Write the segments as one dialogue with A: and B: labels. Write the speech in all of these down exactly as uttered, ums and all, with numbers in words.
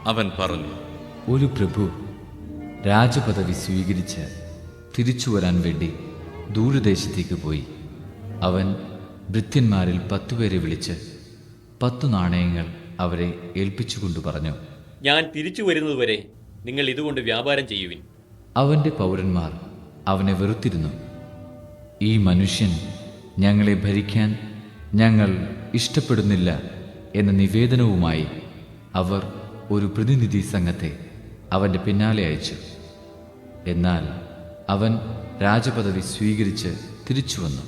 A: അവൻ പറഞ്ഞു,
B: ഒരു പ്രഭു രാജപദവി സ്വീകരിച്ച് തിരിച്ചു വരാൻ വേണ്ടി ദൂരദേശത്തേക്ക് പോയി. അവൻ ഭൃത്യന്മാരിൽ പത്തുപേരെ വിളിച്ച് പത്തു നാണയങ്ങൾ അവരെ ഏൽപ്പിച്ചുകൊണ്ട് പറഞ്ഞു,
C: ഞാൻ തിരിച്ചു വരുന്നതുവരെ നിങ്ങൾ ഇതുകൊണ്ട് വ്യാപാരം ചെയ്യുവിൻ.
B: അവൻ്റെ പൗരന്മാർ അവനെ വെറുത്തിരുന്നു. ഈ മനുഷ്യൻ ഞങ്ങളെ ഭരിക്കാൻ ഞങ്ങൾ ഇഷ്ടപ്പെടുന്നില്ല എന്ന നിവേദനവുമായി അവർ ഒരു പ്രതിനിധി സംഘത്തെ അവൻ്റെ പിന്നാലെ അയച്ചു. എന്നാൽ അവൻ രാജപദവി സ്വീകരിച്ച് തിരിച്ചു വന്നു.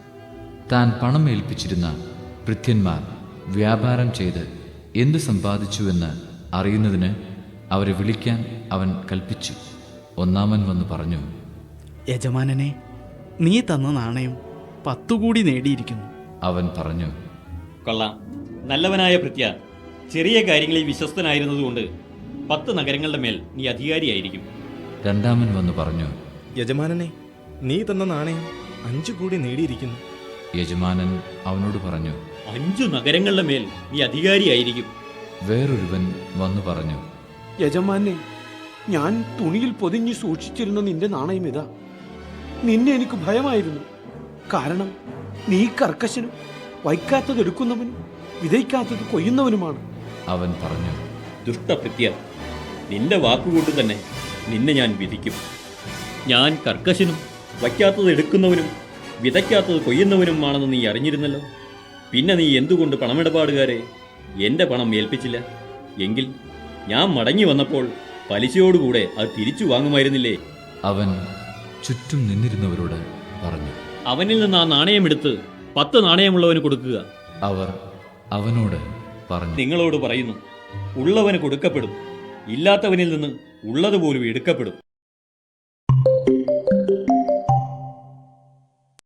B: താൻ പണം ഏൽപ്പിച്ചിരുന്ന ഭൃത്യന്മാർ വ്യാപാരം ചെയ്ത് എന്ത് സമ്പാദിച്ചുവെന്ന് അറിയുന്നതിന് അവരെ വിളിക്കാൻ അവൻ കൽപ്പിച്ചു. ഒന്നാമൻ വന്നു പറഞ്ഞു,
D: യജമാനനെ, നീ തന്ന നാണയം പത്തുകൂടി നേടിയിരിക്കുന്നു.
B: അവൻ പറഞ്ഞു,
C: കൊള്ളാം, നല്ലവനായ ഭൃത്യ, ചെറിയ കാര്യങ്ങളിൽ വിശ്വസ്തനായിരുന്നതുകൊണ്ട് പത്ത് നഗരങ്ങളുടെ മേൽ നീ അധികാരിയായിരിക്കും.
B: രണ്ടാമൻ വന്നു പറഞ്ഞു,
E: യജമാനനെ, നീ തന്ന നാണയം അഞ്ചു കൂടി നേടിയിരിക്കുന്നു.
B: യജമാനൻ അവനോട് പറഞ്ഞു,
C: അഞ്ചു നഗരങ്ങളുടെ മേൽ നീ അധികാരിയായിരിക്കും.
B: വേറൊരുവൻ വന്നു പറഞ്ഞു,
F: യജമാനെ, ഞാൻ തുണിയിൽ പൊതിഞ്ഞു സൂക്ഷിച്ചിരുന്ന നിന്റെ നാണയം ഇതാ. നിന്നെ എനിക്ക് ഭയമായിരുന്നു. കാരണം നീ കർക്കശനും വയ്ക്കാത്തത് എടുക്കുന്നവനും വിതയ്ക്കാത്തത് കൊയ്യുന്നവനുമാണ്.
B: അവൻ പറഞ്ഞു,
C: ദുഷ്ടഭൃത്യ, നിന്റെ വാക്കുകൊണ്ട് തന്നെ നിന്നെ ഞാൻ വിധിക്കും. ഞാൻ കർക്കശനും വയ്ക്കാത്തത് എടുക്കുന്നവനും വിതയ്ക്കാത്തത് കൊയ്യുന്നവനുമാണെന്ന് നീ അറിഞ്ഞിരുന്നല്ലോ. പിന്നെ നീ എന്തുകൊണ്ട് പണമിടപാടുകാരെ എൻ്റെ പണം ഏൽപ്പിച്ചില്ല? എങ്കിൽ ഞാൻ മടങ്ങി വന്നപ്പോൾ പലിശയോടുകൂടെ അത് തിരിച്ചു വാങ്ങുമായിരുന്നില്ലേ?
B: അവൻ ചുറ്റും നിന്നിരുന്നവരോട് പറഞ്ഞു,
C: അവനിൽ നിന്ന് ആ നാണയമെടുത്ത് പത്ത് നാണയമുള്ളവന് കൊടുക്കുക.
B: അവർ അവനോട് പറഞ്ഞു,
C: നിങ്ങളോട് പറയുന്നു, ഉള്ളവന് കൊടുക്കപ്പെടും, ഇല്ലാത്തവനിൽ നിന്ന് ഉള്ളതുപോലും എടുക്കപ്പെടും.